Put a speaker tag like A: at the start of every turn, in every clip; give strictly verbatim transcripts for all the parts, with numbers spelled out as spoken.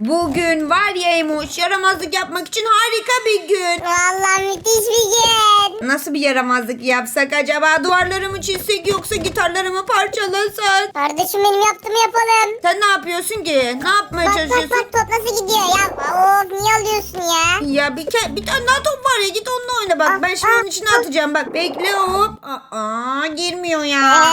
A: Bugün var ya Emoş, yaramazlık yapmak için harika bir gün.
B: Vallahi müthiş bir gün.
A: Nasıl bir yaramazlık yapsak acaba? Duvarlarımı çizsek yoksa gitarlarımı parçalasak?
B: Kardeşim benim yaptığımı yapalım.
A: Sen ne yapıyorsun ki? Ne yapmaya
B: Bak bak
A: çalışıyorsun?
B: bak top nasıl gidiyor ya. Of niye alıyorsun ya?
A: Ya bir, ke- bir tane daha top var ya, git onunla oyna bak.
B: Ah,
A: Ben şimdi
B: ah,
A: onun içine
B: ah.
A: atacağım bak. Bekle hop. Aa, girmiyor ya.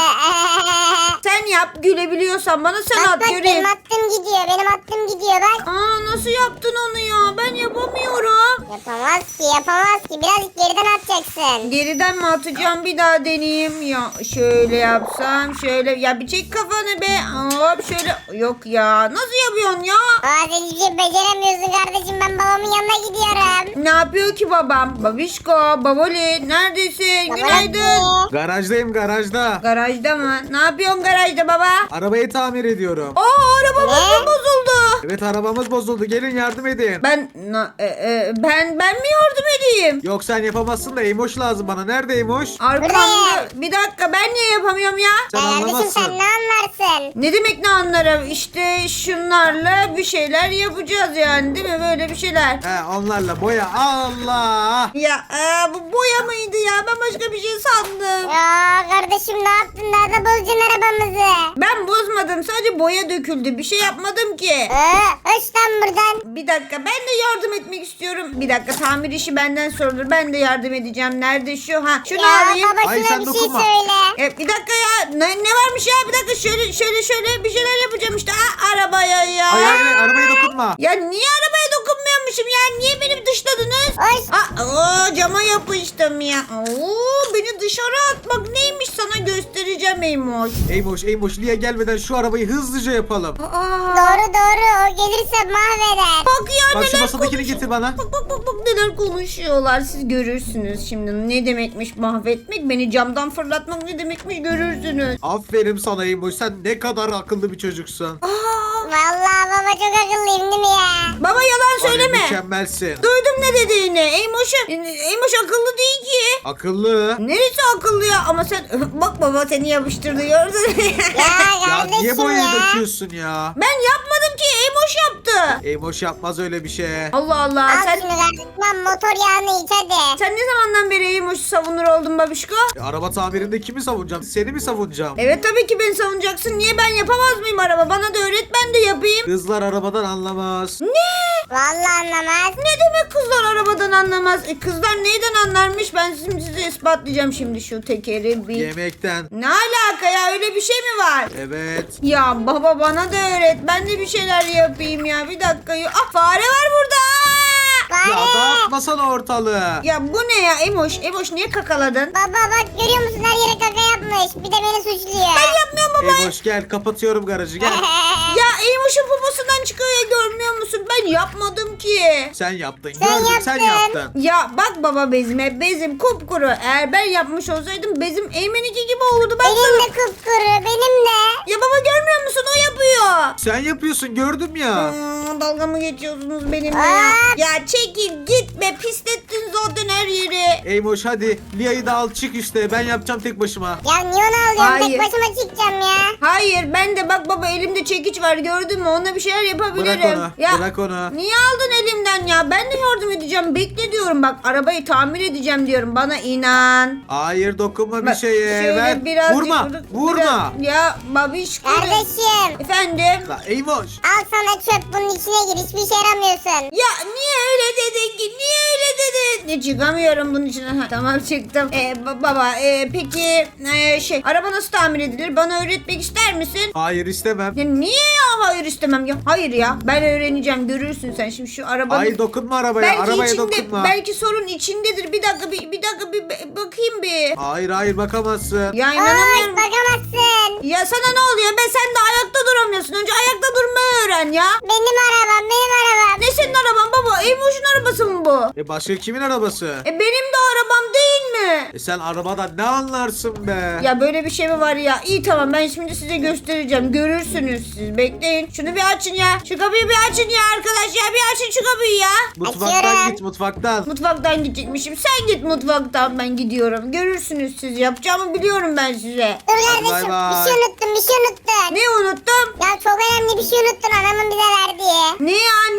A: Sen yap, gülebiliyorsan bana sen
B: Bak
A: at
B: bak
A: göreyim.
B: benim attığım gidiyor. Benim attığım gidiyor bak.
A: Aa, nasıl yaptın onu ya? Ben yapamıyorum.
B: Yapamaz ki yapamaz ki. Birazcık geriden atacaksın.
A: Geriden mi atacağım, bir daha deneyeyim. Ya şöyle yapsam, şöyle. Ya bir çek kafanı be. Hop şöyle. Yok ya. Nasıl yapıyorsun ya?
B: Aa sen hiçbir şey beceremiyorsun kardeşim. Ben babamın yanına gidiyorum.
A: Ne yapıyor ki babam? Babişko, baboli neredesin? Günaydın.
C: Garajdayım garajda.
A: Garajda mı? Ne yapıyorsun garajda baba?
C: Arabayı tamir ediyorum.
A: Aa, arabamız
B: Ne?
A: mı bozuldu?
C: Evet arabamız bozuldu. Gelin yardım edin.
A: Ben na- e, e, ben ben mi yardım edeyim?
C: Yok sen yapamazsın da Emoş lazım bana. Nerede Emoş?
A: Arkamda.
B: Buraya.
A: Bir dakika, ben niye yapamıyorum ya?
C: Sen
B: Ya kardeşim
C: anlamazsın.
B: sen ne anlarsın?
A: Ne demek ne anlarım? İşte şunlarla bir şeyler yapacağız yani, değil mi? Böyle bir şeyler.
C: He onlarla boya. Allah.
A: Ya e, bu boya mıydı ya? Ben başka bir şey sandım.
B: Ya kardeşim ne yaptın? Daha da bozacaksın arabamızı.
A: Ben bozmadım. Sadece boya döküldü. Bir şey yapmadım ki.
B: Ee, öş lan buradan.
A: Bir dakika, ben de yardım etmek istiyorum. Bir dakika, tamir işi benden sorulur. Ben de yardım edeceğim. Nerede şu? Ha, şunu
B: Ya
A: alayım.
B: baba
C: Ay,
B: şuna
C: sen
B: bir şey
C: dokunma.
B: söyle.
A: E, bir dakika ya. Ne, ne varmış ya? Bir dakika, şöyle şöyle şöyle bir şeyler yapacağım işte. Aa, arabaya ya.
C: Ay ay ay arabaya dokunma.
A: Ya niye arabaya dokunmuyormuşum ya? Niye beni dışladınız?
B: Hoş.
A: Aa, oo, cama yapıştım ya. Oo, beni dışarı atmak neymiş, sana göstereceğim Eymoş.
C: Emoş Emoş Lia gelmeden şu arabayı hızlıca yapalım.
A: Aa,
B: Doğru doğru o gelirse mahveder.
A: bak ya,
C: Bak şu
A: neler
C: masadakini
A: konuşuyor.
C: getir bana.
A: Bak bak bak bak neler konuşuyorlar, siz görürsünüz şimdi ne demekmiş mahvetmek, beni camdan fırlatmak ne demekmiş görürsünüz.
C: Aferin sana Emoş. Sen ne kadar akıllı bir çocuksun.
A: Aa,
B: Vallahi baba çok akıllıyım değil mi ya?
A: baba yalan
C: Var ya,
A: söyleme.
C: mükemmelsin.
A: Duydum ne dediğini. Eymoş, Eymoş akıllı değil ki.
C: Akıllı.
A: Neresi akıllı ya? Ama sen bak, baba seni yapıştırdı, gördün.
B: Ya
C: Ya
B: kardeşim
C: niye boyayı
B: ya.
C: döküyorsun ya?
A: Ben yapmadım ki, Eymoş yaptı.
C: Emoş yapmaz öyle bir şey.
A: Allah Allah.
B: Al
A: Sen
B: şunu kardeşim lan, motor yağını iç hadi.
A: sen ne zamandan beri Eymoş'u savunur oldun babişko?
C: E, araba tamirinde kimi savunacağım? Seni mi savunacağım?
A: Evet tabii ki beni savunacaksın. Niye, ben yapamaz mıyım araba? Bana da öğret, ben de yapayım.
C: Kızlar arabadan anlamaz.
B: Vallahi anlamaz.
A: Ne demek kızlar arabadan anlamaz? E, kızlar neyden anlarmış? Ben şimdi size ispatlayacağım şimdi şu tekeri bir.
C: Yemekten.
A: Ne alaka ya, öyle bir şey mi var?
C: Evet.
A: Ya baba bana da öğret. Ben de bir şeyler yapayım ya. Bir dakika. ya- Ah, fare var burada.
B: Bari.
C: Ya dağıtmasana ortalığı.
A: Ya bu ne ya Emoş? Emoş niye kakaladın?
B: Baba bak görüyor musun, her yere kaka yapmış. Bir de beni suçluyor.
A: Ben yapmıyorum baba.
C: Emoş gel kapatıyorum garajı gel.
A: Ya Emoş'un poposundan çıkıyor ya, görmüyor musun? Ben yapmadım ki.
C: Sen yaptın
B: Sen
C: gördüm sen
B: yaptın.
C: yaptın.
A: Ya bak baba, bezime, bezim kupkuru. Eğer ben yapmış olsaydım bezim Eymen'inki gibi olurdu. Ben
B: Benim
A: sana...
B: de kupkuru benim de.
A: Ya baba görmüyor musun? O yapıyor.
C: Sen yapıyorsun gördüm ya.
A: Hmm, dalga mı geçiyorsunuz benimle
B: Aa.
A: ya? Ya çekil git be, pislettin zaten her yeri.
C: Eymoş hadi Lia'yı da al çık işte ben yapacağım tek başıma.
B: Ya niye onu alıyorum?
A: Hayır.
B: Tek başıma çıkacağım ya.
A: Hayır, ben de bak baba, elimde çekiç var, gördün mü? Onunla bir şeyler yapabilirim.
C: Bırak onu,
A: Ya,
C: bırak onu.
A: niye aldın elimden ya? Ben de yardım edeceğim. Bekle diyorum, bak arabayı tamir edeceğim diyorum. Bana inan.
C: Hayır dokunma bir
A: Bak,
C: şeye
A: şöyle
C: ver.
A: birazcık-
C: Vurma vurma.
A: biraz- ya babişko.
B: Kardeşim.
A: Efendim?
C: La Eymoş.
B: Al sana çöp, bunun içine gir. Hiçbir işe yaramıyorsun.
A: Ya niye öyle dedin ki? Niye öyle dedin? Ne, çıkamıyorum bunun için. Ha, tamam çıktım. Ee, ba- baba e, peki e, şey, araba nasıl tamir edilir? Bana öğretmek ister misin?
C: Hayır istemem.
A: Ya niye ya hayır istemem ya? Hayır ya, ben öğreneceğim, görürsün sen şimdi şu arabanın.
C: Hayır dokunma arabaya.
A: belki
C: Arabaya
A: içinde,
C: dokunma.
A: belki sorun içindedir. Bir dakika bir, bir dakika bir bir bakayım bir.
C: Hayır hayır bakamazsın.
A: Ya
B: Hoş
A: inanamıyorum.
B: bakamazsın.
A: Ya sana ne oluyor be, sen de ayakta duramıyorsun. Önce ayakta durmayı öğren ya.
B: Benim arabam benim arabam.
A: Ne senin araban baba? Emoş'un arabası mı bu?
C: E başka kimin arabası?
A: E benim de arabam değil mi?
C: E sen arabadan ne anlarsın be?
A: Ya böyle bir şey mi var ya? İyi tamam, ben şimdi size göstereceğim. Görürsünüz siz. Bekleyin. Şunu bir açın ya. Şu kapıyı bir açın ya arkadaş ya. Bir açın şu kapıyı ya.
C: Mutfaktan
B: Açıyorum.
C: git mutfaktan.
A: Mutfaktan gidecekmişim. Sen git mutfaktan, ben gidiyorum. Görürsünüz siz. Yapacağımı biliyorum ben size.
B: Dur
C: Hadi
B: kardeşim,
C: bay bay.
B: bir şey unuttun bir şey unuttun.
A: Ne unuttum?
B: Ya çok önemli bir şey unuttun anamın bize verdiği.
A: Ne ya?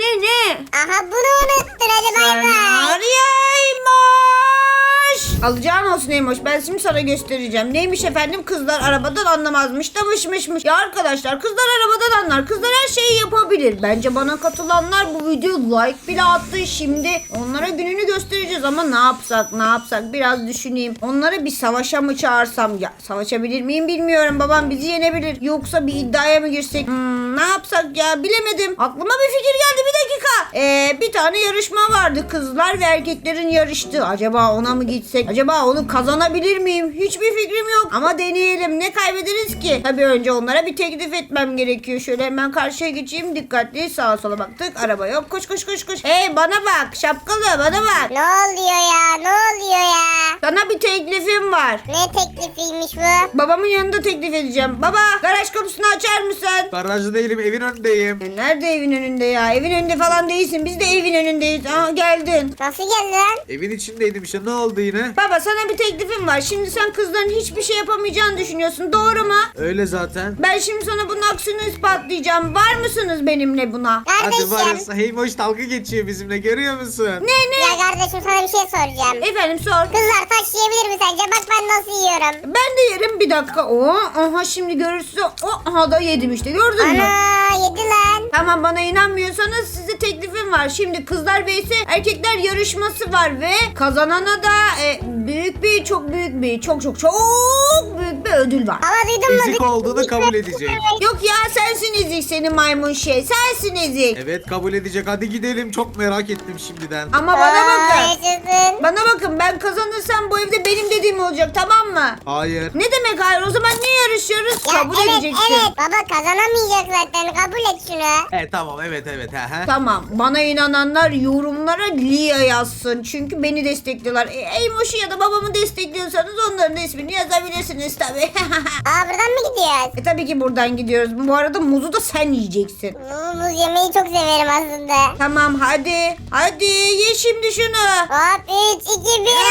A: Alacağın olsun Eymoş. Ben şimdi sana göstereceğim. Neymiş efendim? Kızlar arabadan anlamazmış da mışmışmış. Ya arkadaşlar kızlar arabadan anlar. Kızlar her şeyi yapabilir. Bence bana katılanlar bu video like bile attı. Şimdi onlara gününü göstereceğiz ama ne yapsak ne yapsak biraz düşüneyim. Onları bir savaşa mı çağırsam? Ya savaşabilir miyim bilmiyorum. Babam bizi yenebilir. Yoksa bir iddiaya mı girsek? Hmm, ne yapsak ya bilemedim. Aklıma bir fikir geldi bir dakika. Ee, bir tane yarışma vardı. Kızlar ve erkeklerin yarıştığı. Acaba ona mı gitsek? Acaba onu kazanabilir miyim? Hiçbir fikrim yok. Ama deneyelim. Ne kaybederiz ki? Tabii önce onlara bir teklif etmem gerekiyor. Şöyle hemen karşıya geçeyim. Dikkatli sağa sola baktık. Araba yok. Koş koş koş koş. Hey bana bak. Şapkalı bana bak.
B: Ne oluyor ya? Ne oluyor ya?
A: Sana bir teklifim var.
B: Ne teklifiymiş bu?
A: Babamın yanında teklif edeceğim. Baba garaj kapısını açar mısın?
C: Garajda değilim, evin önündeyim.
A: E, nerede evin önünde ya? Evin önünde falan değilsin. Biz de evin önündeyiz. Aa geldin.
B: Nasıl geldi lan?
C: Evin içindeydim işte, ne oldu yine?
A: Baba sana bir teklifim var. Şimdi sen kızların hiçbir şey yapamayacağını düşünüyorsun. Doğru mu?
C: Öyle zaten.
A: Ben şimdi sana bunun aksini ispatlayacağım. Var mısınız benimle buna?
C: Hadi
B: Kardeşim.
C: varsa Heymoş dalga geçiyor bizimle, görüyor musun?
A: Ne ne?
B: Ya kardeşim sana bir şey soracağım.
A: Efendim sor.
B: Kızlar taş yiyebilir mi sence? Bak ben nasıl yiyorum.
A: Ben de yerim bir dakika. Oo, aha şimdi görürsün. O, aha da yedim işte gördün mü?
B: Ana yedi lan.
A: Tamam bana inanmıyorsanız size teklifim var. Şimdi kızlar vs erkekler yarışması var ve kazanana da e, büyük bir çok büyük bir çok çok çok büyük bir ödül var.
B: Ama duydun mu?
C: Ezik olduğunu kabul edecek.
A: Yok ya sensin ezik senin maymun şey. Sensin ezik.
C: Evet kabul edecek, hadi gidelim, çok merak ettim şimdiden.
A: Ama bana
B: Aa,
A: bakın.
B: yaşasın.
A: Bana bakın ben kazanırsam bu evde benim dediğim olacak tamam mı?
C: Hayır.
A: Ne demek hayır? O zaman niye yarışıyoruz?
B: Ya
A: Kabul
B: evet
A: edeceksin.
B: evet baba kazanamayacak zaten kabul et şunu.
C: E tamam, evet evet. He, he.
A: Tamam. Bana inananlar yorumlara Lia yazsın. Çünkü beni destekliyorlar. E, Eymoş'u ya da babamı destekliyorsanız onların da ismini yazabilirsiniz tabii.
B: Aa buradan mı gidiyoruz?
A: e tabii ki buradan gidiyoruz. Bu arada muzu da sen yiyeceksin.
B: Muz muz yemeyi çok severim aslında.
A: Tamam hadi. Hadi ye şimdi şunu.
B: Hop üç iki bir.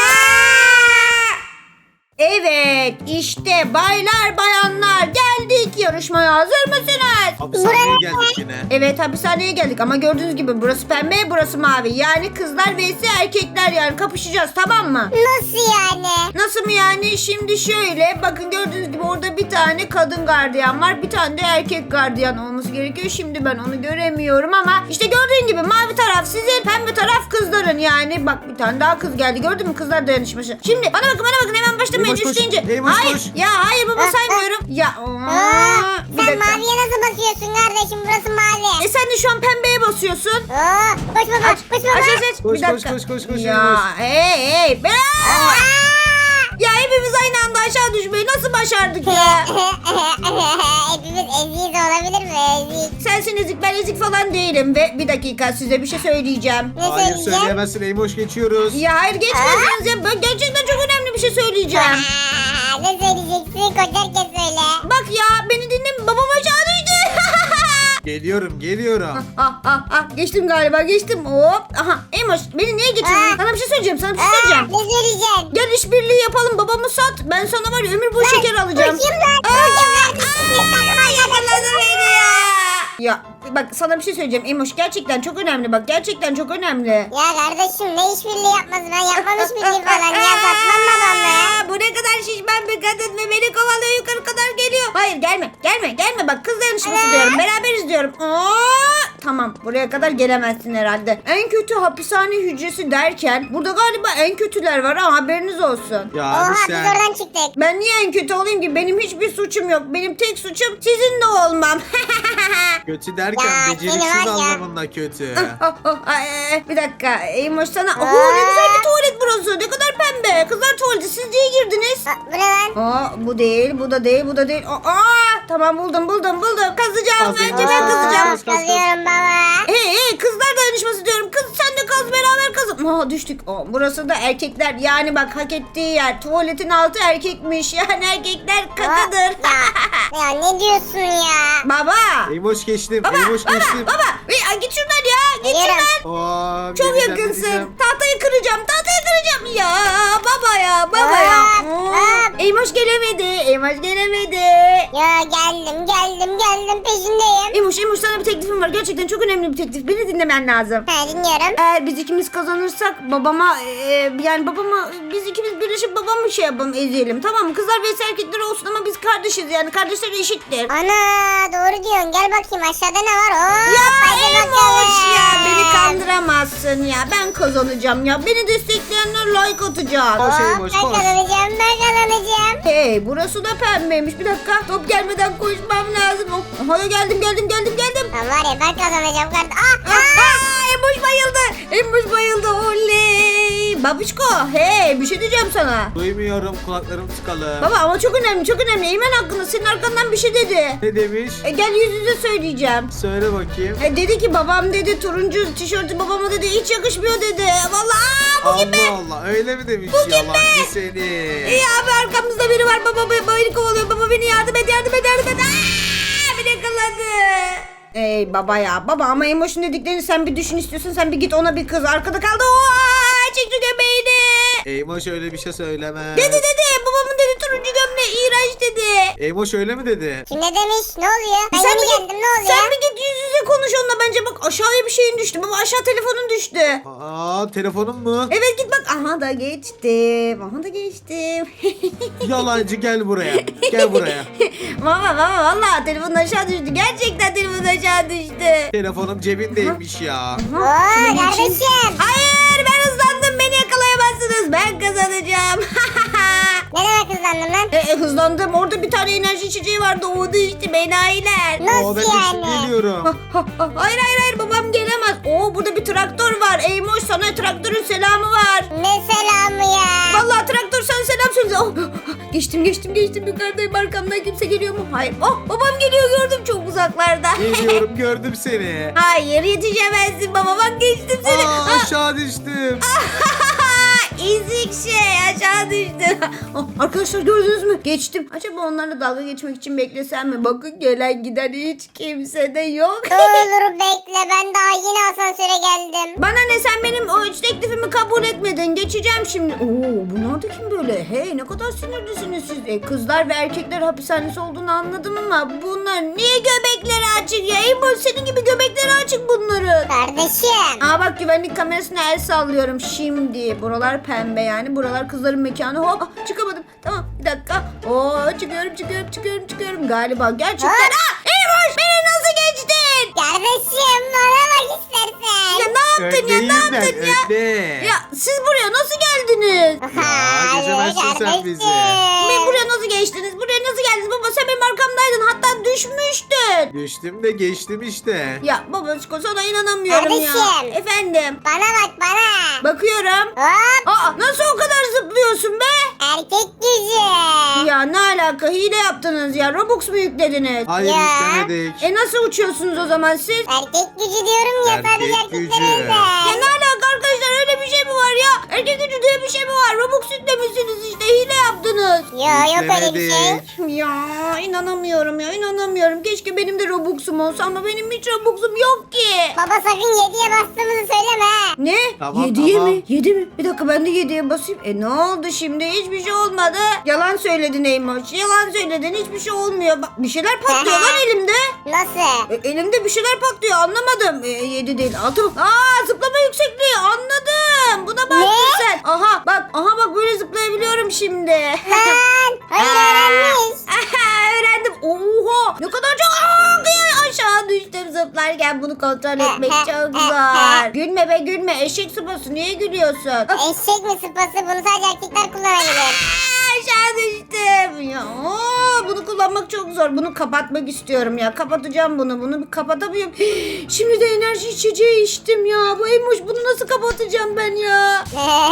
A: Evet işte baylar bayanlar geldik yarışmaya hazır mısınız?
C: Hapishaneye geldik yine.
A: Evet hapishaneye geldik ama gördüğünüz gibi burası pembe burası mavi. Yani kızlar vs erkekler yani kapışacağız tamam mı?
B: Nasıl yani?
A: Nasıl mı yani? Şimdi şöyle bakın gördüğünüz gibi orada bir tane kadın gardiyan var. Bir tane de erkek gardiyan olması gerekiyor. Şimdi ben onu göremiyorum ama işte gördüğün gibi mavi taraf sizin pembe taraf kızların yani. Bak bir tane daha kız geldi gördün mü kızlar dayanışması. Şimdi bana bakın bana bakın hemen başlamayın
C: Eymoş, koş.
A: üçleyince.
C: Eymoş,
A: Hayır
C: koş.
A: ya hayır baba saymıyorum. Ya
B: Aa,
A: aa, bir
B: sen
A: dakika.
B: maviye nasıl basıyorsun kardeşim? Burası mavi.
A: E sen de şu an pembeye basıyorsun.
B: Oo, koş baba koş baba.
A: Aç aç aç.
C: Koş,
A: Bir dakika.
C: koş, koş, koş, koş,
A: Ya
C: Eymoş.
A: hey hey. Ben...
B: Aa!
A: Ya hepimiz aynı anda aşağı düşmeyi nasıl başardık ya?
B: Hepimiz eziyiz olabilir mi? Ezik.
A: Sensin ezik ben ezik falan değilim ve bir dakika size bir şey söyleyeceğim.
B: Ne
C: Hayır
B: söyleyeceğim?
C: söyleyemezsin Eymoş, geçiyoruz.
A: Ya hayır geçmezsiniz ya ben gerçekten çok önemli bir şey söyleyeceğim.
B: Aa, ne söyleyeceksin? Koşarken söyle.
A: Bak ya beni dinle babam aşağı düştü.
C: Geliyorum geliyorum.
A: ah ah ah geçtim galiba geçtim hop. Aha Emoş beni niye geçirdin?
B: Aa.
A: Sana bir şey söyleyeceğim sana bir şey
B: Aa,
A: söyleyeceğim.
B: ne söyleyeceksin?
A: Gel işbirliği yapalım babamı sat. Ben sana var ya ömür boyu şeker alacağım.
B: Koşayım lan.
A: Aa,
B: Koşayım lan.
A: aa, yakaladı beni ya. Ya bak sana bir şey söyleyeceğim Emoş gerçekten çok önemli bak gerçekten çok önemli.
B: Ya kardeşim ne işbirliği yapması? Ben yapmam işbirliği falan. Ya satmam babamı.
A: Aa, bu ne kadar şişman bir kadın ve beni kovalıyor yukarı kadar geliyor. Hayır gelme gelme gelme bak kız dayanışması
B: Evet.
A: diyorum beraberiz diyorum. Aa, tamam buraya kadar gelemezsin herhalde. En kötü hapishane hücresi derken burada galiba en kötüler var ha haberiniz olsun.
C: Ya
B: Oha
C: abi
B: biz
C: sen.
B: oradan çıktık.
A: Ben niye en kötü olayım ki? Benim hiçbir suçum yok. Benim tek suçum sizinle olmam.
C: Kötü derken
B: Ya,
C: beceriksiz
B: seni var ya.
C: anlamında kötü.
A: Oh, oh, ay, ay, bir dakika. Eymoş sana.
B: Aa.
A: Oo, ne güzel bir tuvalet burası. Ne kadar pembe. Kızlar tuvaleti. Siz niye girdiniz?
B: Aa, bu ne lan?
A: Aa, bu değil, bu da değil, bu da değil. Aa, aa, tamam buldum, buldum, buldum. Kazacağım.
C: Kazın,
A: Önce
C: kazın,
A: ben
C: kazın.
A: kazacağım.
C: Kaz, kaz, kaz.
B: Kazıyorum baba.
A: Hey hey kızlar dayanışması diyorum. Kız sen de kaz beraber kazın. Aa düştük. Aa, burası da erkekler. Yani bak hak ettiği yer. Tuvaletin altı erkekmiş. Yani erkekler kakadır.
B: Ya, ya ne diyorsun ya?
A: Baba.
C: Eymoş geçtim.
A: Baba,
C: Eymoş
A: baba,
C: geçtim.
A: baba. Hey, git şuradan ya. Git
B: Geliyorum.
A: şuradan.
C: Oo,
A: Çok
C: geleceğim,
A: yakınsın.
C: geleceğim.
A: Tahtayı kıracağım. Tahtayı kıracağım. Ya baba ya baba
B: Aa,
A: ya.
B: aa.
A: Eymoş gelemedi. Eymoş gelemedi.
B: Ya geldim geldim geldim peşindeyim.
A: Emoş Emoş sana bir teklifim var. Gerçekten çok önemli bir teklif. Beni dinlemen lazım.
B: Ha dinliyorum.
A: Eğer biz ikimiz kazanırsak babama e, yani babama biz ikimiz birleşip babamı şey yapalım ezeyelim, tamam mı? Kızlar vs erkekler olsun ama biz kardeşiz yani kardeşler eşittir.
B: Ana doğru diyorsun. Gel bakayım aşağıda ne var? Oo,
A: Ya
B: hadi
A: Emoş
B: bakalım.
A: ya beni kandıramazsın ya, ben kazanacağım ya, beni destekleyenler like atacak.
C: Koş
B: Hop,
C: Eymoş,
B: ben
C: koş.
B: kazanacağım ben kazanacağım.
A: Hey burası da pembeymiş, bir dakika top gelmeden koşmam lazım. Oh, aha, geldim geldim geldim geldim.
B: Lan var ya ben kazanacağım kardeşim. Ah,
A: Aa,
B: ah.
A: aa, Emoş bayıldı. Emoş bayıldı. Oley. Babişko, hey bir şey diyeceğim sana.
C: Duymuyorum, kulaklarım tıkalı.
A: Baba ama çok önemli çok önemli. Eymen hakkında senin arkandan bir şey dedi.
C: Ne demiş?
A: E, gel yüz yüze söyleyeceğim.
C: Söyle bakayım.
A: E, dedi ki babam dedi turuncu tişörtü babama dedi hiç yakışmıyor dedi. Vallahi aa, bu gibi.
C: Allah Allah, öyle mi demiş?
A: Bu gibi.
C: Yalancı seni.
A: İyi abi arkamızda biri var. Baba baba beni kovalıyor. Baba beni yardım et yardım et yardım et. Aa, beni yakaladı. Ey baba ya baba ama Emoş'un dediklerini sen bir düşün istiyorsun, sen bir git ona bir kız arkada kaldı. Oha çekti göbeğini.
C: Eymoş öyle bir şey söylemez.
A: Dedi dedi babamın dedi turuncu gömleği iğrenç dedi.
C: Eymoş öyle mi dedi?
B: Kim ne demiş? Ne oluyor? Ben
A: Sen
B: yeni
A: bir git-
B: geldim ne oluyor?
A: Sen bir git yüz yüze konuş onunla bence, bak aşağıya bir şeyin düştü. Baba aşağı telefonun düştü.
C: Aa, telefonum mu?
A: Evet git bak, aha da geçtim. Aha da geçtim.
C: Yalancı, gel buraya. Gel buraya.
A: Baba baba valla telefonun aşağı düştü. Gerçekten telefonun aşağı düştü.
C: Telefonum cebindeymiş ya.
B: Oo
A: Şunu geçeyim.
B: kardeşim.
A: Hayır ben hızlandım, beni yakalayamazsınız. Ben kazanacağım.
B: Ne demek hızlandın lan?
A: e, e, hızlandım, orada bir tane enerji içeceği vardı. O da içti benayiler.
B: Nasıl
C: Oo, ben de
B: yani?
C: şimdi geliyorum.
A: Hayır hayır hayır babam gelemez. Oo burada bir traktör var. Eymoş sana traktörün selamı var.
B: Ne selamı ya?
A: Vallahi traktör sana selam söyledi. Oh, geçtim geçtim geçtim yukarıdayım, arkamdan kimse geliyor mu? Hayır. Oh babam geliyor, gördüm çok uzaklarda.
C: Geliyorum, gördüm seni.
A: Hayır yetişemezsin baba, bak geçtim seni.
C: Aa,
A: Ah,
C: aşağı düştüm.
A: ezik şey aşağı düştü. Oh, arkadaşlar gördünüz mü? Geçtim. Acaba onlarla dalga geçmek için beklesem mi? Bakın gelen giden hiç kimse de yok.
B: Dur bekle ben daha yeni asansöre geldim.
A: Bana ne, sen benim o üç teklifimi kabul etmedin. Geçeceğim şimdi. Oo bunlar da kim böyle? Hey ne kadar sinirlisiniz siz. E, kızlar ve erkekler hapishanesi olduğunu anladım ama bunlar niye göbekleri açık ya? Ey bu senin gibi göbekleri açık bunların.
B: Kardeşim.
A: Aa bak güvenlik kamerasına el sallıyorum şimdi. Buralar pembe yani. Buralar kızların mekanı. Hop ah, çıkamadım. Tamam bir dakika. Oo çıkıyorum çıkıyorum çıkıyorum çıkıyorum. Galiba gerçekten.
B: Ha?
A: Aa Eymoş beni nasıl geçtin?
B: Kardeşim bana bak istersen.
A: Ya ne yaptın ya ne
C: Öndeyim ben,
A: yaptın ya?
C: önde.
A: Ya siz buraya nasıl geldiniz?
C: Ya, geçemezsin sen bizi.
A: Ben buraya nasıl geçtiniz? Buraya nasıl geldiniz? Baba sen benim arkamdaydın. Hatta düşmüştün.
C: Düştüm de geçtim işte.
A: Ya babacık sana inanamıyorum ya.
B: Kardeşim.
A: Efendim.
B: Bana bak bana.
A: Bakıyorum.
B: Hop.
A: Aa nasıl o kadar zıplıyorsun be?
B: Erkek gücü.
A: Ya ne alaka? Hile yaptınız ya. Robux mu yüklediniz?
C: Hayır,
B: Ya.
C: yüklemedik.
A: E nasıl uçuyorsunuz o zaman siz?
B: Erkek gücü diyorum ya
C: Erkek
B: sadece
C: gücü.
B: erkeklere
A: Ya
B: özel.
A: ne alaka arkadaşlar, öyle bir şey mi var ya? Erkek gücü diye bir şey mi var? Robux yüklemişsiniz işte, hile yaptınız.
B: Yo yok öyle bir şey.
C: Yüklemedik.
A: Ya inanamıyorum ya inanamıyorum. Keşke benim de Robux'um olsa ama benim hiç Robux'um yok ki.
B: Baba sakın yediye bastığımızı söyleme. ha.
A: Ne?
C: Tamam,
A: Yediye
C: tamam.
A: mi? Yedi mi? Bir dakika ben de yediye basayım. E ne oldu şimdi? Hiçbir şey olmadı. Yalan söyledin Eymoş. Yalan söyledin. Hiçbir şey olmuyor. Bak bir şeyler patlıyor lan elimde.
B: Nasıl?
A: E, elimde bir şeyler patlıyor. Anlamadım. E, yedi değil. Altı. Aa zıplama yüksekliği. Anladım. Buna baktın
B: Ne?
A: sen. Aha bak. Aha bak böyle zıplayabiliyorum şimdi.
B: Lan hayır öğrenmiş.
A: Aha, öğrendim. Oha ne kadar çok Aa, kıyam- aşağı düştüm zıplarken, bunu kontrol etmek çok zor. Gülme be gülme, eşek sıpası niye gülüyorsun? Ah,
B: Eşek mi sıpası bunu sadece erkekler kullanabilir.
A: aşağı düştüm. Ya, aa, bunu kullanmak çok zor. Bunu kapatmak istiyorum ya. Kapatacağım bunu. Bunu bir kapatamıyorum. Şimdi de enerji içeceği içtim ya. Bu Eymoş, bunu nasıl kapatacağım ben ya?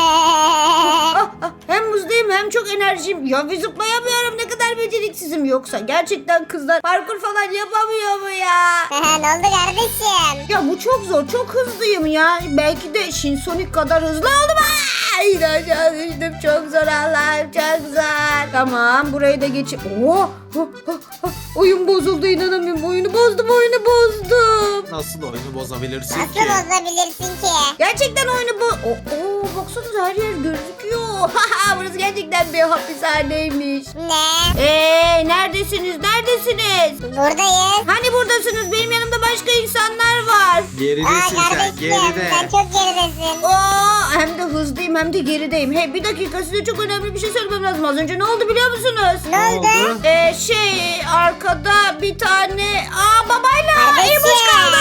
A: Ah, ah, hem muzdayım hem çok enerjim. Ya bir zıplayamıyorum, ne kadar beceriksizim. Yoksa gerçekten kızlar parkur falan yapamıyor mu ya?
B: ne oldu kardeşim?
A: Ya bu çok zor, çok hızlıyım ya. Belki de Shinsonic kadar hızlı oldum. Aa, yine aşağı düştüm. Çok zor Allah'ım, çok zor. Tamam burayı da geçip. Oo, oh, oh, oh. Oyun bozuldu, inanamıyorum. Oyunu bozdum, oyunu bozdum.
C: Nasıl oyunu bozabilirsin
B: Nasıl
C: ki?
B: bozabilirsin ki?
A: Gerçekten oyunu bu. Oo, oo, baksanıza her yer gözüküyor. Burası gerçekten bir hapishaneymiş.
B: Ne?
A: Eee neredesiniz? Neredesiniz?
B: Buradayız.
A: Hani buradasınız? Benim yanımda başka insanlar var.
C: Geridesin
B: Aa
C: sen
B: kardeşim
C: geride.
B: sen çok geridesin.
A: Oo, hem de hızlıyım hem de gerideyim. Hey bir dakika, size çok önemli bir şey söylemem lazım. Az önce ne oldu biliyor musunuz?
B: Ne oldu?
A: Ee, şey arkada bir tane aa babayla
B: Kardeşim.
A: Eymuş kaldı.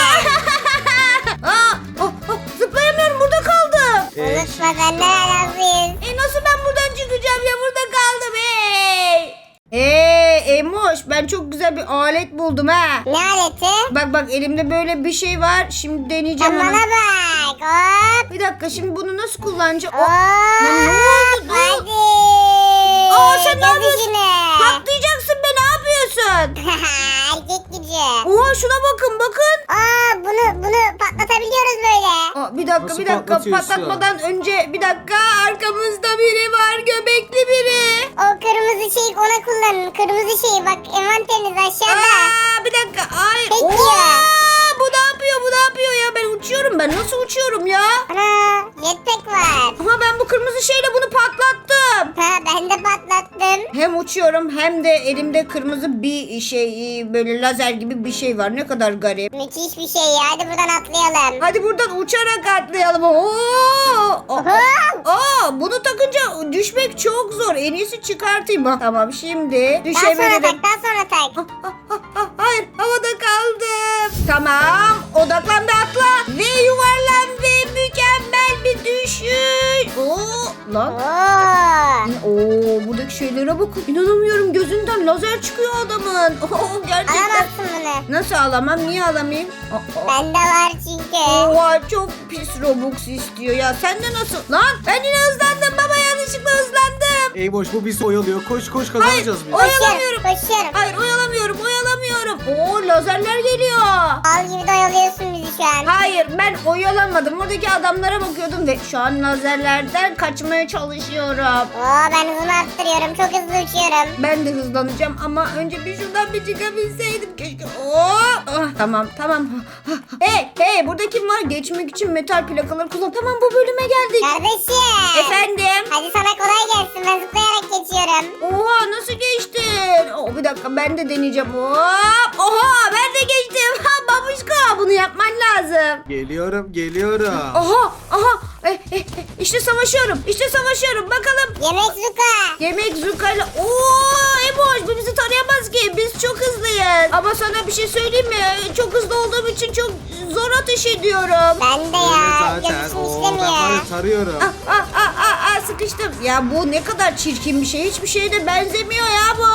A: Aa, oh, oh, zıplayamıyorum, burada kaldım.
C: Ee,
B: Unutma senden razıyız.
A: E nasıl ben buradan çıkacağım ya, burada kaldım hey. Hey Eymuş, ben çok güzel bir alet buldum ha.
B: Ne aleti?
A: Bak bak elimde böyle bir şey var. Şimdi deneyeceğim
B: Sen
A: onu.
B: bana bak. Hop.
A: Bir dakika, şimdi bunu nasıl kullanacağım?
B: Hop.
A: Oh, lan ne oldu? Ne oldu?
B: Hadi.
A: Aa, sen ne
B: Gel
A: yapıyorsun?
B: işine.
A: Patlayacaksın be, ne yapıyorsun?
B: Erkek gücü.
A: Oha şuna bakın bakın.
B: Aa bunu bunu patlatabiliyoruz böyle.
A: Aa, bir dakika
C: Nasıl
A: bir dakika
C: patlatıyorsun?
A: patlatmadan önce bir dakika, arkamızda biri var, göbekli biri.
B: O kırmızı şeyi ona kullanın. Kırmızı şeyi bak envanteriniz aşağıda.
A: Aa, bir dakika ay.
B: Peki.
A: Oha, bu ne yapıyor bu ne yapıyor ya, ben uçuyorum, ben nasıl uçuyorum ya?
B: Ana jetpack var.
A: Ama ben bu kırmızı şeyle bunu patlattım.
B: Ha ben de patlattım.
A: Hem uçuyorum hem de elimde kırmızı bir şey, böyle lazer gibi bir şey var. Ne kadar garip.
B: Müthiş bir şey ya. Hadi buradan atlayalım.
A: Hadi buradan uçarak atlayalım. Oo! Aa,
B: Hop.
A: aa, bunu takınca düşmek çok zor. En iyisi çıkartayım. Ha, tamam şimdi
B: Daha sonra
A: düşebilirim.
B: tak daha sonra tak.
A: Ah, ah, ah, hayır, havada kaldım. Tamam, odaklan ve atla ve yuvarlan ve mükemmel bir düşüş. Oo, lan.
B: Oo.
A: Oo, buradaki şeylere bakın. İnanamıyorum, gözünden lazer çıkıyor adamın. Oo, gerçekten.
B: Alamazsın bunu.
A: Nasıl alamam? Niye alamayayım? Aa, aa.
B: Bende var çünkü.
A: Oha, çok pis Robux istiyor ya. Sen de nasıl? Lan ben yine hızlandım baba, yanlışlıkla hızlandım.
C: Eymoş bu bizi oyalıyor. Koş koş kazanacağız biz.
A: Hayır, oyalamıyorum.
B: Koşuyorum.
A: Hayır, oyalamıyorum, oyalamıyorum. Oo, lazerler geliyor.
B: Al gibi de oyalıyorsun bizi şu an.
A: Hayır, ben oyalamadım. Oradaki adamlara bakıyordum ve şu an lazerlerden kaçmaya çalışıyorum.
B: Oo ben hızımı arttırıyorum. Çok hızlı uçuyorum.
A: Ben de hızlanacağım ama önce bir şuradan bir çıkabilseydim keşke. Oo! Ah, tamam tamam. Hey hey, burada kim var? Geçmek için metal plakaları kullan. Tamam, bu bölüme geldik.
B: Kardeşim.
A: Efendim?
B: Hadi sana kolay gelsin. Ben zıplayarak geçiyorum.
A: Oha, nasıl geçtin? Oh, bir dakika, ben de deneyeceğim. Hop! Oha, ben de geçtim. Ha babuşka, bunu yapman lazım.
C: Geliyorum geliyorum.
A: Aha aha. Eh, eh, eh, işte savaşıyorum. İşte savaşıyorum. Bakalım.
B: Yemek zuka.
A: Yemek zukayla. Oo, Eboş, bu bizi tanıyamaz ki. Biz çok hızlıyız. Ama sana bir şey söyleyeyim mi? Çok hızlı olduğum için çok zor ateş ediyorum.
B: Ben de
C: Öyle
B: ya.
C: zaten.
B: Gözüm
C: Oo, ben
B: işlemiyor.
C: var ya tarıyorum.
A: Ah, ah, ah, ah, ah, sıkıştım. Ya bu ne kadar çirkin bir şey. Hiçbir şeye de benzemiyor ya bu.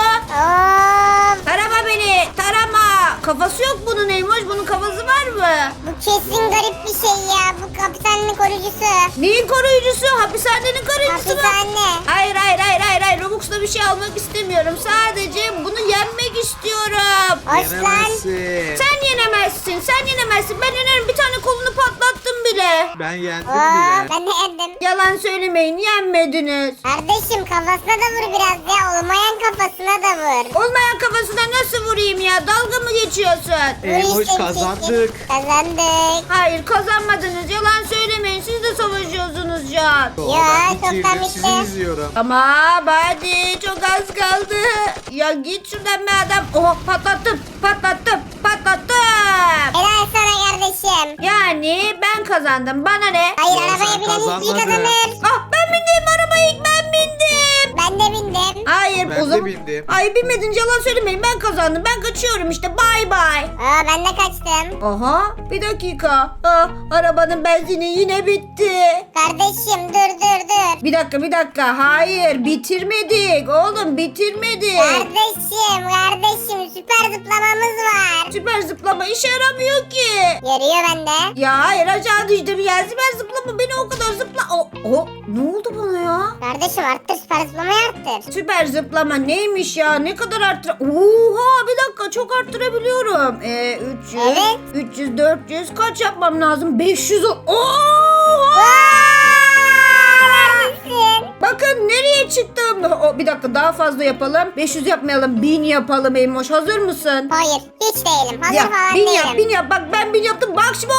B: Oo.
A: Tarama beni. Tarama. Kafası yok bunun Eymoş. Bunun kafası var mı?
B: Bu kesin garip bir şey ya. Bu hapishanenin koruyucusu.
A: Neyin koruyucusu? Hapishanenin koruyucusu mu?
B: Hapishane.
A: Hayır hayır hayır hayır hayır. Robux'la bir şey almak istemiyorum. Sadece bunu yenmek istiyorum.
B: Hoş lan.
C: Yenemezsin.
A: Sen yenemezsin. Sen yenemezsin. Ben yenerim. Bir tane kolunu patlattım bile.
C: Ben yendim
B: Oo,
C: bile.
B: ben de yendim.
A: Yalan söylemeyin. Yenmediniz.
B: Kardeşim kafasına da vur biraz ya. Olmayan kafasına da vur.
A: Olmayan kafasına nasıl vurayım ya? Dalga mı geçiyorsun?
B: Vur
C: Eymoş
B: işte bir
C: kazandık.
B: şekil. Kazandık.
A: Hayır, kazanmadınız. Yalan söylemeyin. Siz de savaşıyorsunuz şu an.
C: Oo,
B: Ya,
C: ben
B: çoktan
C: bitirdim.
B: bitti.
C: Sizi izliyorum.
A: Ama hadi, çok az kaldı. Ya git şuradan be adam. Oha, patlattım. Patlattım. Patlattım.
B: Helal sana kardeşim.
A: Yani ben kazandım. Bana ne?
B: Hayır
C: Ya,
B: arabaya
C: sen
B: binen ilk iyi
C: kazanmadın.
B: kazanır.
A: Ah, ben bindim arabaya, ilk ben bindim.
B: Ben de bindim.
A: Hayır,
C: Ben
A: o
C: de
A: zaman.
C: bindim.
A: Hayır, binmedin, yalan söylemeyin. Ben kazandım. Ben kaçıyorum işte. Bay bay.
B: Aa ben de kaçtım.
A: Aha, bir dakika. Ah, arabanın benzini yine bitti.
B: Kardeşim dur dur dur.
A: Bir dakika, bir dakika. Hayır, bitirmedik. Oğlum, bitirmedik.
B: Kardeşim kardeşim süper zıplamamız var.
A: Süper zıplama işe yaramıyor ki.
B: Yarıyor bende.
A: Ya hayır, aşağı düştüm ya. Süper zıplama beni o kadar zıpla. O, o, ne oldu bana ya?
B: Kardeşim arttır süper zıplamayı arttır.
A: Süper zıplama neymiş ya? Ne kadar arttır? Oha, bir dakika, çok arttırabiliyorum. Ee, üç yüz,
B: Evet.
A: üç yüz, dört yüz kaç yapmam lazım? beş yüz. o- Oha!
B: Aa, neredesin?
A: Bakın nereye çıktım. O, bir dakika daha fazla yapalım. beş yüz yapmayalım. bin yapalım Eymoş. Hazır mısın?
B: Hayır hiç değilim. Hazır
A: Yap,
B: falan
A: bin
B: değilim.
A: yap, bin yap. Bak ben bin yaptım. Bak şimdi.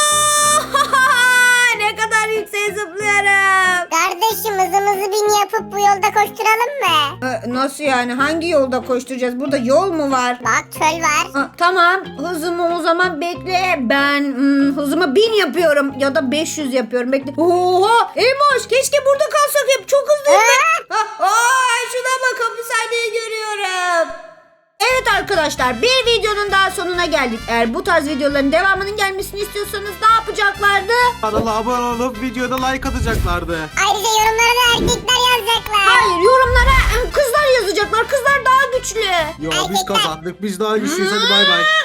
A: Ne kadar yükseğe zıplıyorum.
B: Kardeşim hızımızı bin yapıp bu yolda koşturalım mı?
A: Ee, nasıl yani? Hangi yolda koşturacağız? Burada yol mu var?
B: Bak çöl var.
A: Ha, tamam. Hızımı o zaman bekle. Ben hmm, hızımı bin yapıyorum. Ya da beş yüz yapıyorum. Bekle. Oha! Emoş keşke burada kalsak hep. Çok hızlıyım ben. Ha, aa, şuna bak. Hapishaneyi görüyorum. Evet arkadaşlar, bir videonun daha sonuna geldik. Eğer bu tarz videoların devamının gelmesini istiyorsanız ne yapacaklardı?
C: Kanala abone olup videoda like atacaklardı.
B: Ayrıca yorumlara da erkekler yazacaklar.
A: Hayır, yorumlara e, kızlar yazacaklar. Kızlar daha güçlü.
C: Ya biz kazandık. Biz daha güçlüyüz. Hadi bay bay.